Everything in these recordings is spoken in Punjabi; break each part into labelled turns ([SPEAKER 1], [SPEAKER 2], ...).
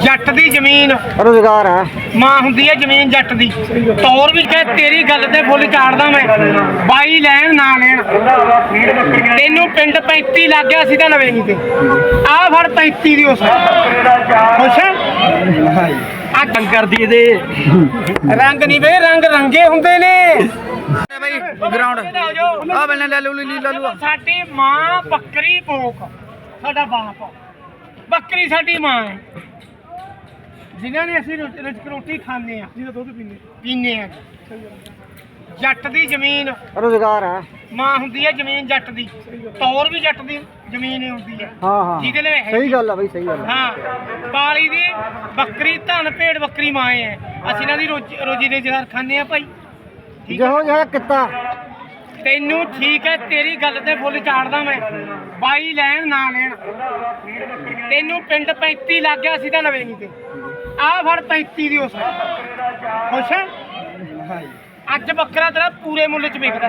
[SPEAKER 1] ਜੱਟ ਦੀ ਜ਼ਮੀਨ
[SPEAKER 2] ਰੁਜ਼ਗਾਰ ਹੈ
[SPEAKER 1] ਮਾਂ ਹੁੰਦੀ ਹੈ ਜ਼ਮੀਨ ਜੱਟ ਦੀ। ਤੌਰ ਵੀ ਕਹੇ ਤੇਰੀ ਗੱਲ ਤੇ ਫੁੱਲ ਚਾੜਦਾ ਮੈਂ, ਬਾਈ ਲੈਣ ਨਾ ਲੈਣ। ਤੈਨੂੰ ਪਿੰਡ 35 ਲੱਗ ਗਿਆ ਸੀ ਤਾਂ ਲਵੇਂਗੀ ਤੇ ਆਹ ਫੜ 35 ਦੀ ਉਸ ਖੁਸ਼ ਆ ਕੰਗ ਕਰਦੀ ਇਹਦੇ ਰੰਗ ਨਹੀਂ ਵੇ ਰੰਗ ਰੰਗੇ ਹੁੰਦੇ ਨੇ
[SPEAKER 2] ਬਈ ਗਰਾਊਂਡ ਆ ਬੰਨੇ ਲੈ ਲੂ
[SPEAKER 1] ਸਾਡੀ ਮਾਂ ਬੱਕਰੀ ਭੋਕ ਸਾਡਾ ਬਾਪ ਬੱਕਰੀ ਸਾਡੀ ਮਾਂ ਹੈ ਜਿਨ੍ਹਾਂ ਨੇ ਅਸੀਂ ਰੋਟੀ ਖਾਂਦੇ ਆ ਜਿਹਦਾ ਦੁੱਧ ਪੀਂਦੇ ਆ। ਜੱਟ ਦੀ ਜ਼ਮੀਨ
[SPEAKER 2] ਰੁਜ਼ਗਾਰ ਹੈ
[SPEAKER 1] ਮਾਂ ਹੁੰਦੀ ਹੈ ਜ਼ਮੀਨ ਜੱਟ ਦੀ। ਤੌਰ ਵੀ ਜੱਟ ਦੀ ਜ਼ਮੀਨ ਹੀ ਹੁੰਦੀ ਹੈ।
[SPEAKER 2] ਹਾਂ
[SPEAKER 1] ਜਿਹਦੇ ਲਈ
[SPEAKER 2] ਸਹੀ ਗੱਲ ਆ ਬਈ ਸਹੀ ਗੱਲ
[SPEAKER 1] ਹਾਂ ਬਾਲੀ ਦੀ ਬੱਕਰੀ ਧਨ ਭੇਡ ਬੱਕਰੀ ਮਾਂ ਹੈ। ਅਸੀਂ ਇਹਨਾਂ ਦੀ ਰੋਜੀ ਦੇ ਜਹਰ ਖਾਂਦੇ ਆ ਭਾਈ।
[SPEAKER 2] ਜਿਹੋ ਜਿਹਾ ਕਿੱਤਾ
[SPEAKER 1] ਤੈਨੂੰ ਠੀਕ ਹੈ ਤੇਰੀ ਗੱਲ ਤੇ ਫੁੱਲ ਚਾੜਦਾ ਮੈਂ, ਬਾਈ ਲੈਣ ਨਾ ਲੈਣ। ਤੈਨੂੰ ਪਿੰਡ 35 ਲੱਗ ਗਿਆ ਸੀ ਤਾਂ ਲਵੇਂਗੀ ਤੇ ਆਹ ਫੜ 35 ਦੀ ਉਸ ਖੁਸ਼ ਹੈ। ਅੱਜ ਬੱਕਰਾ ਤੇਰਾ ਪੂਰੇ ਮੁੱਲ ਚ ਵਿਕਦਾ।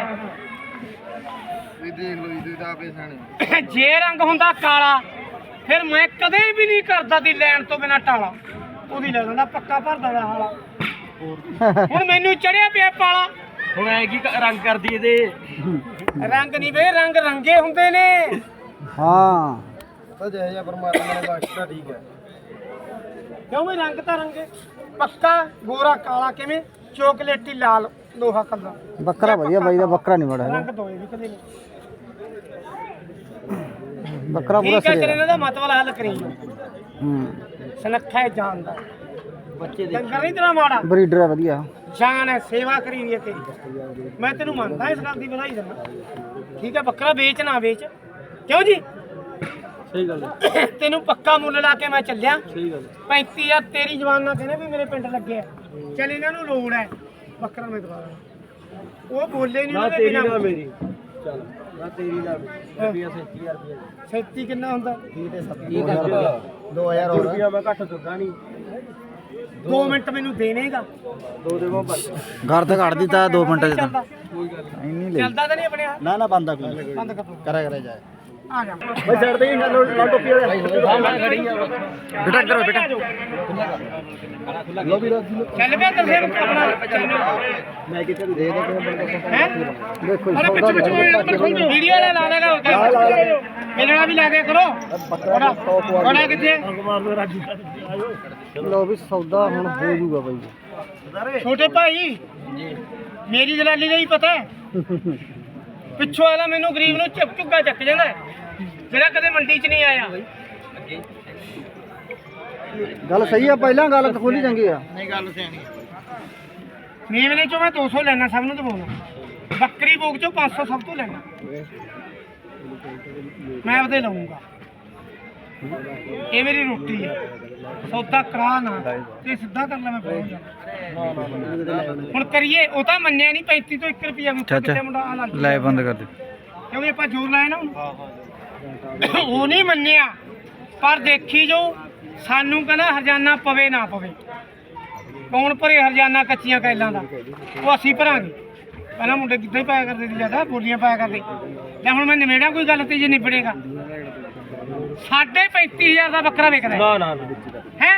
[SPEAKER 1] ਜੇ ਰੰਗ ਹੁੰਦਾ ਕਾਲਾ ਫਿਰ ਮੈਂ ਕਦੇ ਵੀ ਨਹੀਂ ਕਰਦਾ ਦੀ ਲੈਣ ਤੋਂ ਬਿਨਾ ਟਾਲਾ। ਉਹਦੀ ਲੈ ਲੈਂਦਾ ਪੱਕਾ ਭਰਦਾ ਦਾ ਹਾਲਾ। ਹੁਣ ਮੈਨੂੰ ਚੜਿਆ ਪਿਆ ਪਾਲਾ। ਹੁਣ ਐ ਕੀ ਰੰਗ ਕਰਦੀ ਇਹਦੇ ਰੰਗ ਨਹੀਂ ਵੇ ਰੰਗ ਰੰਗੇ ਹੁੰਦੇ ਨੇ।
[SPEAKER 2] ਹਾਂ ਤਾਂ ਜਿਹੋ ਜਿਹਾ ਪਰਮਾਤਮਾ ਨੇ ਬਖਸ਼ਿਆ ਠੀਕ ਹੈ।
[SPEAKER 1] ਕਿਉਂ ਵੀ ਰੰਗ ਤਾਂ ਰੰਗੇ ਪੱਕਾ ਗੋਰਾ ਕਾਲਾ ਕਿਵੇਂ ਚੋਕਲੇਟੀ ਲਾਲ ਲੋਹਾ ਕਲਰ।
[SPEAKER 2] ਬੱਕਰਾ ਵਧੀਆ ਬਾਈ ਦਾ ਬੱਕਰਾ ਨਹੀਂ ਬੜਾ
[SPEAKER 1] ਰੰਗ ਦੋਏ ਵੀ ਕਦੇ ਨਹੀਂ।
[SPEAKER 2] ਬੱਕਰਾ ਪੂਰਾ
[SPEAKER 1] ਠੀਕ ਹੈ
[SPEAKER 2] ਸਹੀ
[SPEAKER 1] ਇਹਨਾਂ ਦਾ ਮਤਲਬ ਹੱਲ ਕਰੀ
[SPEAKER 2] ਹੂੰ
[SPEAKER 1] ਸੁਨੱਖਾ ਹੈ ਜਾਨ ਦਾ ਬੱਚੇ ਦੇ ਡੰਗਰ ਨਹੀਂ ਤੇਰਾ ਮਾੜਾ
[SPEAKER 2] ਬਰੀਡਰ ਹੈ ਵਧੀਆ
[SPEAKER 1] ਜਾਨ ਹੈ ਸੇਵਾ ਕਰੀ ਹੋਈ ਹੈ ਤੇਰੀ। ਮੈਂ ਤੈਨੂੰ ਮੰਨਦਾ ਇਸ ਗੱਲ ਦੀ ਵਧਾਈ ਦਿੰਦਾ। ਠੀਕ ਹੈ ਬੱਕਰਾ ਵੇਚ ਨਾ ਵੇਚ ਕਿਉਂ ਜੀ
[SPEAKER 2] ਸਹੀ ਗੱਲ ਹੈ
[SPEAKER 1] ਤੈਨੂੰ ਪੱਕਾ ਮੁੱਲ ਲਾ ਕੇ ਮੈਂ ਚੱਲਿਆ।
[SPEAKER 2] ਸਹੀ ਗੱਲ
[SPEAKER 1] 35 ਆ ਤੇਰੀ ਜਵਾਨ ਨਾਲ ਕਹਿੰਦੇ ਵੀ ਮੇਰੇ ਪਿੰਡ ਲੱਗੇ ਆ ਚੱਲ ਇਹਨਾਂ ਨੂੰ ਲੋੜ ਹੈ ਬੱਕਰਾ ਮੈਂ ਦਵਾ ਦਾਂ। ਉਹ ਬੋਲੇ ਨਹੀਂ ਉਹਦੇ ਬਿਨਾਂ
[SPEAKER 2] ਮੇਰੀ ਚੱਲ ਨਾ ਤੇਰੀ ਨਾ ਰੁਪਿਆ 37000 ਰੁਪਿਆ
[SPEAKER 1] 37 ਕਿੰਨਾ ਹੁੰਦਾ
[SPEAKER 2] 2000 ਹੋਰ ਰੁਪਿਆ ਮੈਂ ਘੱਟ ਦੁੱਗਾ ਨਹੀਂ
[SPEAKER 1] 2 ਮਿੰਟ ਮੈਨੂੰ ਦੇਣੇਗਾ
[SPEAKER 2] ਦੋ ਦੇਵੋ ਬਸ ਘਰ ਤੇ ਕੱਢ ਦਿੱਤਾ 2 ਮਿੰਟ ਚ ਤਾਂ
[SPEAKER 1] ਕੋਈ ਗੱਲ
[SPEAKER 2] ਇੰਨੀ ਲੈ
[SPEAKER 1] ਚੱਲਦਾ ਤਾਂ ਨਹੀਂ ਆਪਣੇ ਆਪ
[SPEAKER 2] ਨਾ ਬੰਦਾ ਕੋਈ
[SPEAKER 1] ਬੰਦ ਕਰ
[SPEAKER 2] ਕਰਾ ਜਾਏ
[SPEAKER 1] ਆ ਜਾ
[SPEAKER 2] ਬਈ ਛੱਡ ਦੇ ਲਾ ਟੋਪੀ ਵਾਲੇ
[SPEAKER 1] ਹਾਂ ਮੈਂ ਖੜੀ ਆ
[SPEAKER 2] ਬੇਟਾ ਕਰੋ ਬੇਟਾ ਲੋ ਵੀ
[SPEAKER 1] ਚੱਲ ਪਿਆ ਤੇ ਫਿਰ ਆਪਣਾ
[SPEAKER 2] ਮੈਂ ਕਿਤੇ ਦੇ ਦੇ
[SPEAKER 1] ਹੈ
[SPEAKER 2] ਦੇਖੋ
[SPEAKER 1] ਅਰੇ ਪਿੱਛੇ ਵੀਡੀਓ ਲਾ ਲੇਗਾ ਮਿਲਣਾ ਵੀ ਲਾ ਕੇ ਕਰੋ ਬੜਾ ਕਿੱਥੇ
[SPEAKER 2] ਲੋ ਵੀ ਸੌਦਾ ਹੁਣ ਹੋ ਜੂਗਾ ਬਾਈ
[SPEAKER 1] ਛੋਟੇ ਭਾਈ ਮੇਰੀ ਦਲਾਲੀ ਦਾ ਹੀ ਪਤਾ ਪਿੱਛੋਂ ਆਲਾ ਮੈਨੂੰ ਗਰੀਬ ਨੂੰ ਝੁੱਗਾ ਚੱਕ ਜਾਂਦਾ ਜਿਹੜਾ ਕਦੇ ਮੰਡੀ 'ਚ ਨਹੀਂ ਆਇਆ।
[SPEAKER 2] ਗੱਲ ਸਹੀ ਆ ਪਹਿਲਾਂ ਗੱਲ ਤਾਂ ਖੋਲੀ ਚੰਗੀ ਆ
[SPEAKER 1] ਨਹੀਂ ਗੱਲ ਸਿਆਣੀ ਮੇਵਨੇ ਚੋਂ ਮੈਂ 200 ਲੈਣਾ ਸਭ ਨੂੰ ਦਵਾਉਣਾ ਬੱਕਰੀ ਭੋਗ ਚੋਂ 500 ਸਭ ਤੋਂ ਲੈਣਾ ਮੈਂ ਉਹਦੇ ਲਵਾਂਗਾ। ਇਹ ਮੇਰੀ ਰੋਟੀ ਹੈ ਸੌਦਾ ਕਰਾ ਨਾ ਤੇ ਸਿੱਧਾ ਕਰ ਲੈ ਮੈਂ ਪਹੁੰਚ ਹੁਣ ਕਰੀਏ ਉਹ ਤਾਂ ਮੰਨਿਆ ਨਹੀਂ 35 ਤੋਂ 1 ਰੁਪਿਆ ਕਿਤੇ ਮੁੰਡਾ ਆ ਲੱਗ
[SPEAKER 2] ਲੈ ਬੰਦ ਕਰ ਦੇ
[SPEAKER 1] ਕਿਉਂਕਿ ਆਪਾਂ ਜ਼ੋਰ ਲਾਇਆ ਨਾ ਉਹ ਨਹੀਂ ਮੰਨਿਆ ਪਰ ਦੇਖੀ ਜੋ ਸਾਨੂੰ ਕਹਿੰਦਾ ਹਰਜਾਨਾ ਪਵੇ ਨਾ ਪਵੇ ਕੌਣ ਭਰੇ ਹਰਜਾਨਾ ਕੱਚੀਆਂ ਕੈਲਾਂ ਦਾ ਉਹ ਅਸੀਂ ਭਰਾਂਗੇ। ਪਹਿਲਾਂ ਮੁੰਡੇ ਕਿੱਦਾਂ ਹੀ ਪਾਇਆ ਕਰਦੇ ਸੀ ਜ਼ਿਆਦਾ ਬੋਲੀਆਂ ਪਾਇਆ ਕਰਦੇ ਲੈ ਹੁਣ ਮੈਂ ਨਿਬੇੜਾਂ ਕੋਈ ਗੱਲ ਤੇ ਜੇ ਨਿਬੜੇਗਾ 35000 ਦਾ ਬੱਕਰਾ ਵਿਕਦਾ
[SPEAKER 2] ਨਾ
[SPEAKER 1] ਹੈ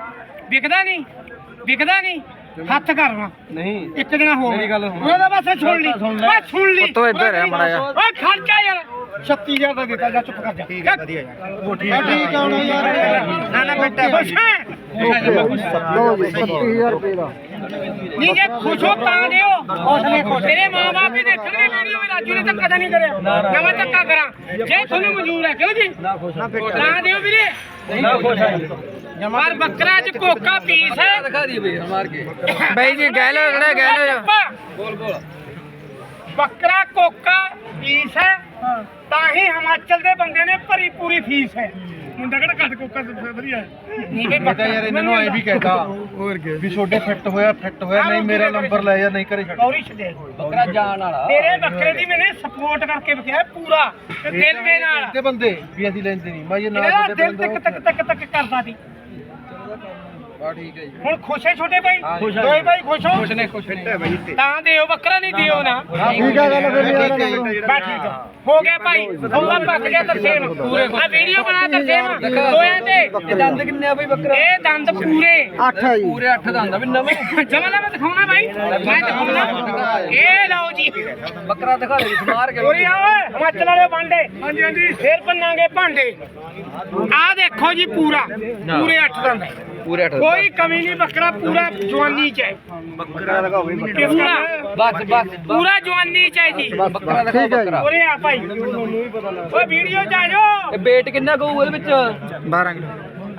[SPEAKER 1] ਵਿਕਦਾ ਨਹੀਂ ਹੱਥ ਕਰਨਾ
[SPEAKER 2] ਨਹੀਂ
[SPEAKER 1] ਇੱਕ ਜਣਾ ਹੋ ਮੇਰੀ ਗੱਲ ਉਹਦਾ ਬਸ ਸੁਣ ਲਈ
[SPEAKER 2] ਤੋ ਇੱਧਰ ਹੈ ਮਾੜਾ ਜਿਹਾ
[SPEAKER 1] ਓਏ ਖਰਚਾ ਯਾਰ 36000 ਦਾ ਦਿੱਤਾ ਜਾ ਚੁੱਪ ਕਰ ਜਾ ਠੀਕ ਹੈ ਵਧੀਆ ਯਾਰ ਠੀਕ ਆਉਣਾ ਯਾਰ ਨਾ ਬੇਟਾ ਖੁਸ਼ ਹੈ
[SPEAKER 2] ਲੋ ਜੀ 37000 ਰੁਪਏ ਦਾ
[SPEAKER 1] ਨਹੀਂ ਜੇ ਖੁਸ਼ ਹੋ ਤਾਂ ਦਿਓ ਤੇਰੇ ਮਾਂ-ਬਾਪ ਵੀ ਦੇਖਣਗੇ ਵੀਡੀਓ ਵੀ ਰਾਜੂ ਨੇ ਧੱਕਾ ਤਾਂ ਨਹੀਂ ਕਰਿਆ ਨਾ ਮੈਂ ਧੱਕਾ ਕਰਾਂ ਜੇ ਤੁਹਾਨੂੰ ਮਨਜ਼ੂਰ ਹੈ ਕਿਉਂ ਜੀ ਨਾ ਦਿਓ ਵੀਰੇ
[SPEAKER 2] ਨਾ ਖੁਸ਼ ਹੈ
[SPEAKER 1] ਪਰ ਬੱਕਰਾ ਚ ਕੋਕਾ ਪੀਸ ਹੈ
[SPEAKER 2] ਦਿਖਾ ਦੀ ਬਈ ਮਾਰ ਕੇ ਬਈ ਜੀ ਗਹਿ ਲੋ
[SPEAKER 1] ਬੋਲ ਬੱਕਰਾ ਕੋਕਾ ਪੀਸ ਹੈ ਤਾਂ ਹੀ ਹਿਮਾਚਲ ਦੇ ਬੰਦੇ ਨੇ ਭਰੀ ਪੂਰੀ ਫੀਸ ਹੈ। ਮੁੰਡਾ ਕਿਹੜਾ ਘੱਟ ਕੋਕਾ ਵਧੀਆ ਨਹੀਂ ਬਈ
[SPEAKER 2] ਪਤਾ ਯਾਰ ਇਹਨਾਂ ਨੂੰ ਐ ਵੀ ਕਹਿਤਾ ਹੋਰ ਕੀ ਵੀ ਛੋਡੇ ਫਿੱਟ ਹੋਇਆ ਨਹੀਂ ਮੇਰਾ ਨੰਬਰ ਲੈ ਜਾ ਨਹੀਂ ਕਰੇ ਛੱਡ
[SPEAKER 1] ਕੌਰੀ ਛੱਡੇ ਬੱਕਰਾ ਜਾਣ ਵਾਲਾ ਤੇਰੇ ਬੱਕਰੇ ਦੀ ਮੈਨੇ ਸਪੋਰਟ ਕਰਕੇ ਵਿਖਿਆ ਪੂਰਾ ਤੇ ਦਿਲ ਦੇ ਨਾਲ
[SPEAKER 2] ਤੇ ਬੰਦੇ ਵੀ ਅਸੀਂ ਲੈਂਦੇ ਨਹੀਂ ਮੈਂ ਇਹ
[SPEAKER 1] ਇਹਦਾ ਦਿਲ ਟਿਕ ਟਕ ਕਰਦਾ ਸੀ
[SPEAKER 2] ਬਾ ਠੀਕ ਹੈ ਜੀ
[SPEAKER 1] ਹੁਣ ਖੁਸ਼ ਹੈ ਛੋਟੇ ਭਾਈ ਦੋਏ ਭਾਈ ਖੁਸ਼ ਹੋ
[SPEAKER 2] ਖੁਸ਼ ਹੈ ਬਾਈ
[SPEAKER 1] ਤਾਂ ਦਿਓ ਬੱਕਰਾ ਨਹੀਂ ਦਿਓ ਨਾ
[SPEAKER 2] ਠੀਕ ਆ ਗੱਲ ਫਿਰ
[SPEAKER 1] ਬਾ ਠੀਕ ਆ ਹੋ ਗਿਆ ਭਾਈ ਹੋਲਾ ਪੱਕ ਗਿਆ ਤਰਸੇਮ ਆ ਵੀਡੀਓ ਬਣਾ ਤਰਸੇਮ ਦੋਆਂ ਤੇ
[SPEAKER 2] ਇਹ ਦੰਦ ਕਿੰਨੇ ਆ ਬਈ ਬੱਕਰਾ
[SPEAKER 1] ਇਹ ਦੰਦ ਪੂਰੇ
[SPEAKER 2] 8 ਆ ਜੀ ਪੂਰੇ 8 ਦੰਦ ਆ ਵੀ ਨਵੇਂ
[SPEAKER 1] ਜਮਾ ਨਾ ਮੈਂ ਦਿਖਾਉਣਾ ਭਾਈ ਮੈਂ ਦਿਖਾਉਣਾ ਇਹ ਲਓ ਜੀ
[SPEAKER 2] ਬੱਕਰਾ ਦਿਖਾ ਦੇ ਸਮਾਰ ਕੇ
[SPEAKER 1] ਉਰੇ ਆ ਓਏ ਹਿਮਾਚਲ ਵਾਲੇ ਭਾਂਡੇ ਹਾਂਜੀ ਹਾਂਜੀ ਫੇਰ ਪੰਨਾਂਗੇ ਭਾਂਡੇ ਆ ਦੇਖੋ ਜੀ ਪੂਰਾ ਪੂਰੇ 8 ਦੰਦ
[SPEAKER 2] ਪੂਰੇ 8
[SPEAKER 1] ਕੋਈ ਕਮੀ ਨਹੀਂ ਬੱਕਰਾ ਪੂਰਾ ਜਵਾਨੀ ਚ ਹੈ
[SPEAKER 2] ਬੱਕਰਾ ਦਿਖਾਓ ਬਈ
[SPEAKER 1] ਪੂਰਾ
[SPEAKER 2] ਬਸ
[SPEAKER 1] ਪੂਰਾ ਜਵਾਨੀ ਚ ਹੈ ਜੀ
[SPEAKER 2] ਬੱਕਰਾ ਦਿਖਾਓ ਬੱਕਰਾ
[SPEAKER 1] ਉਰੇ ਆ ਭਾਈ ਓਏ ਵੀਡੀਓ ਚ ਆ ਜਾਓ
[SPEAKER 2] ਇਹ weight ਕਿੰਨਾ ਕਹੂ ਉਹਦੇ ਵਿੱਚ 12 ਕਿਲੋ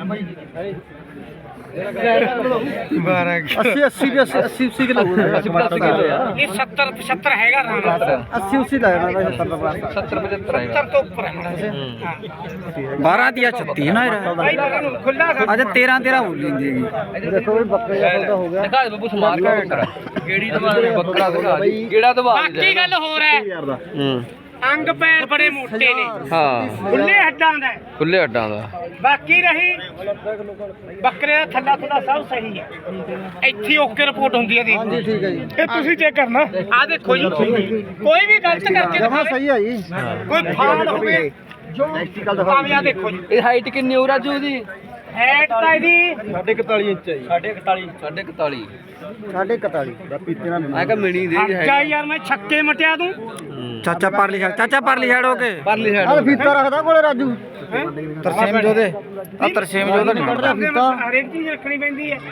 [SPEAKER 2] 80 ਕਿਲੋ
[SPEAKER 1] ਇਹ 70 75 ਹੈਗਾ ਰਾਣਾ
[SPEAKER 2] 80 80 ਲੱਗਦਾ 70 75
[SPEAKER 1] 70 ਤੋਂ ਉੱਪਰ ਹੈ
[SPEAKER 3] 12 ਦੀ 36 ਨਾ
[SPEAKER 1] ਭਾਈ ਨੂੰ ਖੁੱਲਾ ਕਰ
[SPEAKER 3] ਅੱਜ 13 ਬੋਲੀ ਜਾਂਦੀ ਹੈਗੀ
[SPEAKER 2] ਦੇਖੋ ਵੀ ਬੱਕਰੇ ਦਾ ਸੌਦਾ ਹੋ ਗਿਆ ਦਿਖਾ ਦੇ ਬੱਬੂ ਸਮਾਰ ਕੇ ਬੱਕਰਾ ਕਿਹੜੀ ਦਵਾ ਦੇ ਬੱਕਰਾ ਦਿਖਾ ਦੇ ਕਿਹੜਾ ਦਵਾ
[SPEAKER 1] ਬਾਕੀ ਗੱਲ ਹੋਰ ਹੈ ਅੰਗ ਪੈਰ ਬੜੇ ਮੋਟੇ ਨੇ
[SPEAKER 3] ਹਾਂ
[SPEAKER 1] ਖੁੱਲੇ ਹੱਡਾਂ ਦਾ ਹੈ।
[SPEAKER 3] ਖੁੱਲੇ ਅੱਡਾਂ ਦਾ
[SPEAKER 1] ਬਾਕੀ ਰਹੀ ਬੱਕਰੇ ਦਾ ਥੱਲਾ ਥੱਲਾ ਸਭ ਸਹੀ ਹੈ ਇੱਥੇ ਓਕੇ ਰਿਪੋਰਟ ਹੁੰਦੀ ਹੈ
[SPEAKER 2] ਹਾਂਜੀ
[SPEAKER 1] ਦੇਖੋ
[SPEAKER 2] ਠੀਕ ਹੈ ਜੀ
[SPEAKER 1] ਇਹ ਤੁਸੀਂ ਚੈੱਕ ਕਰਨਾ ਆ ਦੇਖੋ ਜੀ ਕੋਈ ਵੀ ਗਲਤ ਕਰਕੇ
[SPEAKER 2] ਜਮਾ
[SPEAKER 1] ਦਿਖਾਵੇ
[SPEAKER 2] ਸਹੀ ਆ ਜੀ
[SPEAKER 1] ਕੋਈ ਫਾਲ ਹੋਵੇ ਜੋ ਭਾਵੇਂ ਆ ਦੇਖੋ ਜੀ
[SPEAKER 3] ਇਹ ਹਾਈਟ ਕਿੰਨੀ ਹੋ ਰਾਜੂ ਦੀ
[SPEAKER 1] ਹੈਟ ਤਾਂ ਇਹਦੀ
[SPEAKER 2] 41 ਇੰਚ ਹੈ ਜੀ
[SPEAKER 3] 41
[SPEAKER 2] 41 ਦਾ ਪੀਤੇ ਨਾਲ
[SPEAKER 3] ਮੈਂ ਕਿਹਾ ਮਿਣੀ ਦੇ
[SPEAKER 1] ਜਾ ਯਾਰ ਮੈਂ ਛੱਕੇ ਮਟਿਆ ਦੂੰ
[SPEAKER 3] ਚਾਚਾ ਪਰਲੀ ਛੱਡ ਹੋ ਕੇ ਪਰਲੀ
[SPEAKER 2] ਆ ਫੀਤਾ ਰੱਖਦਾ ਕੋਲੇ ਰਾਜੂ
[SPEAKER 3] ਤਰਸੇਮ ਜੋਦੇ ਆ ਤਰਸੇਮ ਜੋਦਾ ਨਹੀਂ
[SPEAKER 2] ਕੱਢਦਾ ਫੀਤਾ
[SPEAKER 1] ਹਰੇਕ ਚੀਜ਼ ਰੱਖਣੀ ਪੈਂਦੀ ਹੈ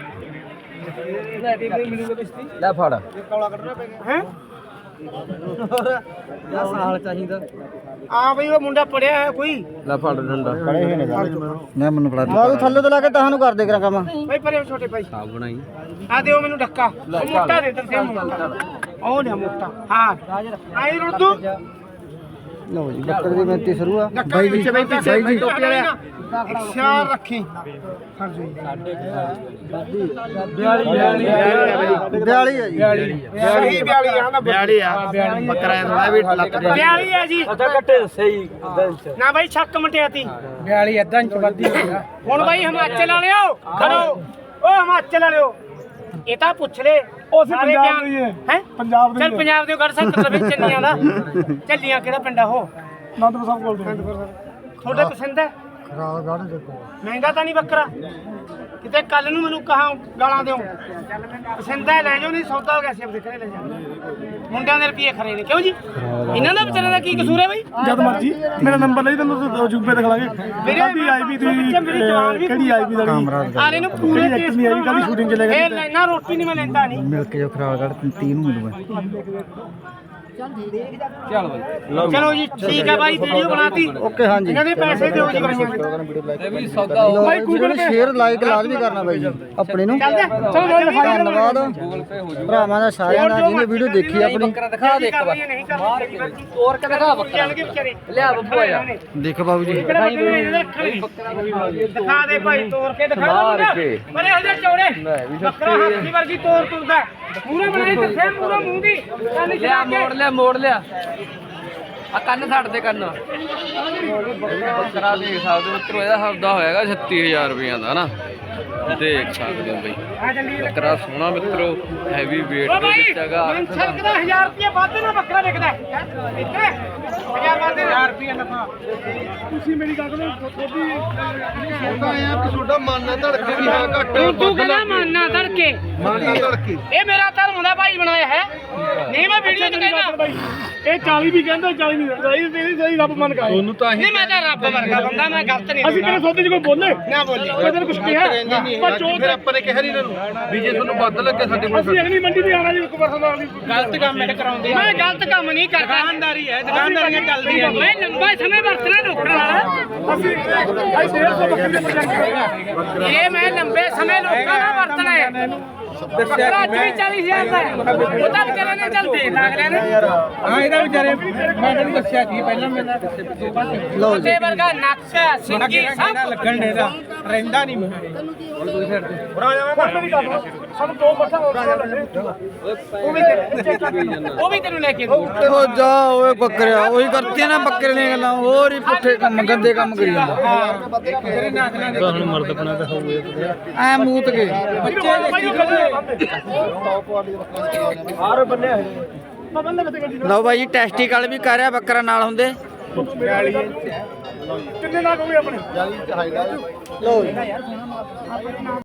[SPEAKER 3] ਲੈ ਫੜ
[SPEAKER 1] ਹੈ
[SPEAKER 2] ਸਾਲ ਚਾਹੀਦਾ
[SPEAKER 1] ਆ ਬਈ ਉਹ ਮੁੰਡਾ ਪੜਿਆ ਹੈ ਕੋਈ
[SPEAKER 3] ਲੈ ਫੜ ਡੰਡਾ
[SPEAKER 2] ਖੜੇ ਹੋਏ ਨੇ
[SPEAKER 3] ਨਾ ਮੈਨੂੰ ਫੜਾ
[SPEAKER 2] ਤੂੰ ਥੱਲੇ ਤੋਂ ਲਾ ਕੇ ਤੁਹਾਨੂੰ ਕਰ ਦੇ ਕਰਾਂ ਕੰਮ
[SPEAKER 1] ਬਈ ਪਰੇ ਛੋਟੇ ਭਾਈ
[SPEAKER 3] ਸਾਹ ਬਣਾਈ
[SPEAKER 1] ਆ ਦਿਓ ਮੈਨੂੰ ਡੱਕਾ ਉਹ ਮੋਟਾ ਦੇ ਤਰਸੇ ਮੋਟਾ ਉਹ ਲਿਆ ਮੋਟਾ ਹਾਂ ਆਈ ਰੁੱਦੂ
[SPEAKER 2] ਲਓ ਜੀ ਬੱਕਰੇ ਦੀ ਮਿਹਨਤੀ ਸ਼ੁਰੂ ਆ
[SPEAKER 1] ਬਾਈ ਜੀ ਬਾਈ
[SPEAKER 2] ਜੀ
[SPEAKER 1] ਟੋਪੀ ਵਾਲਿਆ ਖਿਆਲ ਰੱਖੀ
[SPEAKER 2] 42 ਆ ਜੀ
[SPEAKER 1] ਸਹੀ 42 ਆ ਨਾ 42 ਆ
[SPEAKER 2] ਬੱਕਰਾ ਥੋੜਾ ਵੀ ਲੱਤ
[SPEAKER 1] 42 ਆ ਜੀ
[SPEAKER 2] ਕੱਟੇ ਸਹੀ
[SPEAKER 1] ਨਾ ਬਾਈ ਛੱਕ ਮਟਿਆਤੀ
[SPEAKER 2] 42 ਅੱਧਾ ਇੰਚ ਵੱਧੀ ਹੋਇਆ
[SPEAKER 1] ਹੁਣ ਬਾਈ ਹਿਮਾਚਲ ਵਾਲਿਓ ਖੜੋ ਓ ਹਿਮਾਚਲ ਵਾਲਿਓ ਇਹ ਤਾਂ ਪੁੱਛ ਲੈ ਉਹ ਪੰਜਾਬ ਦੀ ਹੈ ਪੰਜਾਬ ਦੀ ਚੱਲ ਪੰਜਾਬ ਦੇ ਗੜ ਸੈਕਟਰ ਵਿੱਚ ਚੱਲੀਆਂ ਦਾ ਚੱਲੀਆਂ ਕਿਹੜਾ ਪਿੰਡ ਆ ਉਹ
[SPEAKER 2] ਨੰਦਪੁਰ ਸਾਹਿਬ ਕੋਲ
[SPEAKER 1] ਤੁਹਾਡੇ ਪਸੰਦ ਹੈ
[SPEAKER 2] ਖਰਾਬ ਗਾਣ ਦੇਖੋ
[SPEAKER 1] ਮਹਿੰਗਾ ਤਾਂ ਨਹੀਂ ਬੱਕਰਾ ਕਿਤੇ ਕੱਲ ਨੂੰ ਮੈਨੂੰ ਕਹਾਂ ਗਾਲਾਂ ਦਿਓ ਪਸੰਦ ਹੈ ਲੈ ਜਾਓ ਨਹੀਂ ਸੌਦਾ ਹੋ ਗਿਆ ਸੀ ਆਪਣੇ ਘਰੇ ਲੈ ਜਾ ਮੁੰਡਿਆਂ ਦੇ ਰੁਪਏ ਖਰੇ ਨੇ ਕਿਉਂ ਜੀ ਇਹਨਾਂ ਦਾ ਵਿਚਾਰਿਆਂ ਦਾ ਕੀ ਕਸੂਰ ਹੈ ਬਈ
[SPEAKER 2] ਜਦ ਮਰਜੀ ਮੇਰਾ ਨੰਬਰ ਲਈ ਤੈਨੂੰ ਜੂਬੇ ਦਿਖਾ ਲਾਂਗੇ
[SPEAKER 1] ਕਾਹਦੀ ਆਈਪੀ
[SPEAKER 2] ਕਿਹੜੀ ਆਈਪੀ ਦਾ
[SPEAKER 1] ਆਰੇ ਨੂੰ ਪੂਰੇ
[SPEAKER 2] ਐਕਟਰ ਨਹੀਂ ਆਈ ਕੱਲ ਸ਼ੂਟਿੰਗ ਚ ਲੈ
[SPEAKER 1] ਇਹ ਲੈਣਾ ਰੋਟੀ ਨਹੀਂ ਮੈਂ ਲੈਂਦਾ ਨਹੀਂ
[SPEAKER 3] ਮਿਲ ਕੇ ਜੋ ਖਰਾਗੜ 30 ਨੂੰ ਮਿਲੂਗਾ ਚੱਲ ਬਾਈ
[SPEAKER 1] ਚਲੋ ਜੀ ਠੀਕ ਹੈ ਬਾਈ ਵੀਡੀਓ ਬਣਾਤੀ
[SPEAKER 2] ਓਕੇ ਹਾਂਜੀ
[SPEAKER 1] ਇਹਨਾਂ ਦੇ ਪੈਸੇ ਦਿਓ ਜੀ ਬਾਈਆਂ
[SPEAKER 3] ਤੇ ਵੀ ਸੌਦਾ
[SPEAKER 2] ਬਾਈ ਗੂਗਲ ਸ਼ੇਅਰ ਲਾਈਕ ਲਾਜ਼ਮੀ ਕਰਨਾ ਬਾਈ ਜੀ ਆਪਣੇ ਨੂੰ
[SPEAKER 1] ਚੱਲਦੇ ਚਲੋ ਮੈਂ ਦਿਖਾ
[SPEAKER 2] ਧੰਨਵਾਦ ਭਰਾਵਾਂ ਦਾ ਸਾਰਿਆਂ ਦਾ ਜਿਹਨੇ ਵੀਡੀਓ ਦੇਖੀ ਆਪਣੀ
[SPEAKER 3] ਬੱਕਰਾ ਦਿਖਾ ਦੇ ਇੱਕ ਵਾਰ ਤੋਰ ਕੇ ਦਿਖਾ ਬੱਕਰਾ ਲਿਆ ਬੱਬੂ ਆਇਆ ਦੇਖ ਬਾਬੂ ਜੀ
[SPEAKER 1] ਦਿਖਾ ਦੇ ਭਾਈ ਤੋੜ ਕੇ ਦਿਖਾ
[SPEAKER 3] ਮਾਰ ਕੇ।
[SPEAKER 1] ਬਰੇ ਹੋ ਜਾ ਚੌੜੇ ਬੱਕਰਾ ਹਾਥੀ ਵਰਗੀ ਤੋੜ ਤੁਰਦਾ ਮੂਰੇ ਬਣਾਈ ਦੱਸੇ ਮੂਰੇ ਮੂੰਹ ਦੀ ਕੰਨ
[SPEAKER 3] ਲਿਆ ਮੋੜ ਲਿਆ ਆ ਕੰਨ ਛੱਡ ਦੇ ਕੰਨ ਬੱਕਰਾ ਦੇਖ ਸਕਦੇ ਮਿੱਤਰੋ ਇਹਦਾ ਸੌਦਾ ਹੋਏਗਾ 36000 ਰੁਪਈਆ ਦਾ ਨਾ ਦੇਖ ਸਕਦੇ ਹੋ ਬਈ
[SPEAKER 1] ਆ ਜਲਦੀ
[SPEAKER 3] ਬੱਕਰਾ ਸੋਹਣਾ ਮਿੱਤਰੋ ਹੈਵੀ weight
[SPEAKER 1] ਓ
[SPEAKER 3] ਦੇ
[SPEAKER 1] ਭਾਈ
[SPEAKER 3] ਵਿੱਚ ਹੈਗਾ
[SPEAKER 1] ਮਨਸਕ ਦਾ 1000 ਰੁਪਏ ਵੱਧ ਨਾ ਬੱਕਰਾ ਵਿਕਦਾ ਇੱਥੇ 1000 ਵੱਧ 1000 ਰੁਪਏ ਨਫਾ ਤੁਸੀਂ ਮੇਰੀ ਗੱਲ ਨੂੰ ਥੋੜੀ
[SPEAKER 2] ਛੋਟਾ ਆਇਆ ਕਿ ਛੋਟਾ ਮਨ ਨਾ ਧੜਕੇ ਵੀ ਹਾਂ ਘੱਟ
[SPEAKER 1] ਤੂੰ ਕਹਿੰਦਾ ਮੰਨਣਾ ਧੜਕੇ
[SPEAKER 2] ਮਨ ਨਾ ਧੜਕੇ
[SPEAKER 1] ਇਹ ਮੇਰਾ ਧਰਮ ਦਾ ਭਾਈ ਬਣਾਇਆ ਹੈ ਨਹੀਂ ਮੈਂ ਵੀਡੀਓ ਚ ਕਹਿੰਦਾ
[SPEAKER 2] ਇਹ 40 ਵੀ ਕਹਿੰਦਾ 40 ਨਹੀਂ ਸਹੀ ਤੇਰੀ ਸਹੀ ਰੱਬ ਮਨ ਕਾਏ ਉਹਨੂੰ ਤਾਂ
[SPEAKER 1] ਨਹੀਂ ਮੈਂ ਤਾਂ ਰੱਬ ਵਰਗਾ ਬੰਦਾ ਮੈਂ ਗਲਤ ਨਹੀਂ
[SPEAKER 2] ਅਸੀਂ ਤੇਰੇ ਸੌਦੇ 'ਚ ਕੋਈ ਬੋਲੇ
[SPEAKER 1] ਨਾ ਬੋਲੀ
[SPEAKER 2] ਕੋਈ ਤੈਨੂੰ ਕੁਝ ਕਿਹਾ ਪਰ ਜੋ ਫਿਰ ਆਪਾਂ ਨੇ ਕਿਹਾ ਨਹੀਂ ਇਹਨਾਂ ਨੂੰ ਵੀ ਜੇ ਤੁਹਾਨੂੰ ਵੱਧ ਲੱਗੇ ਸਾਡੇ ਕੋਲ ਅਸੀਂ ਅਗਲੀ ਮੰਡੀ ਵੀ ਆਣਾ ਜੀ ਇੱਕ ਵਾਰ ਨਾਲ
[SPEAKER 1] ਗਲਤ ਕੰਮ ਇਹ ਕਰਾਉਂਦੇ ਮੈਂ ਗਲਤ ਕੰਮ ਨਹੀਂ ਕਰਦਾ ਦੁਕਾਨਦਾਰੀ ਹੈ ਦੁਕਾਨਦਾਰੀਆਂ ਚੱਲਦੀਆਂ ਮੈਂ ਲੰਬਾ ਸਮੇਂ ਵਰਤਣਾ ਲੋਕਾਂ ਨਾਲ
[SPEAKER 2] ਅਸੀਂ 150 ਬੱਕਰੀ ਦੇ ਪ੍ਰਜੈਕਟ
[SPEAKER 1] ਇਹ ਮੈਂ ਲੰਬੇ ਸਮੇਂ ਲੋਕਾਂ ਨਾਲ ਵਰਤਣਾ ਹੈ ਬੱਕਰਾ ਅੱਜ ਵੀ 40,000 ਦਾ ਹੈ। ਉਹ ਤਾਂ ਵਿਚਾਰੇ ਨੇ ਚੱਲ ਦੇ ਅਗਲੇ ਨੇ
[SPEAKER 2] ਹਾਂ ਇਹਦਾ ਵਿਚਾਰੇ ਮੈਂ ਤੈਨੂੰ ਦੱਸਿਆ ਸੀ ਪਹਿਲਾਂ ਮੇਰਾ
[SPEAKER 3] ਲਓ ਜੀ
[SPEAKER 1] ਤੇ ਵਰਗਾ ਨਕਸ਼ਾ ਸਿੰਗੀ ਸਭ
[SPEAKER 2] ਲੱਗਣ ਦੇ ਦਾ ਰਹਿੰਦਾ ਨਹੀਂ ਮੈਂ ਸਾਨੂੰ ਦੋ ਮੱਠਾ
[SPEAKER 1] ਉਹ ਵੀ ਤੈਨੂੰ ਲੈ ਕੇ ਦੂ
[SPEAKER 3] ਉਹ ਜਾ ਓਏ ਬੱਕਰਿਆ ਉਹੀ ਕਰਤੀਆਂ ਨਾ ਬੱਕਰੇ ਦੀਆਂ ਗੱਲਾਂ ਹੋਰ ਹੀ ਪੁੱਠੇ ਕੰਮ ਗੰਦੇ ਕੰਮ ਕਰੀ ਜਾਂਦਾ
[SPEAKER 2] ਤੇਰੇ ਨਾਥ
[SPEAKER 4] ਹੁਣ ਮਰਦ ਬਣਾ ਤਾਂ ਹੋਵੇ
[SPEAKER 3] ਐ ਮੂਤ ਕੇ ਲਓ ਬਾਈ ਜੀ ਟੈਸਟੀਕਲ ਵੀ ਕਰ ਰਿਹਾ ਬੱਕਰਾ ਨਾਲ ਹੁੰਦੇ
[SPEAKER 2] ਕਿੰਨੇ ਲੱਗ ਹੋ ਗਏ ਆਪਣੇ
[SPEAKER 3] ਲਓ ਜੀ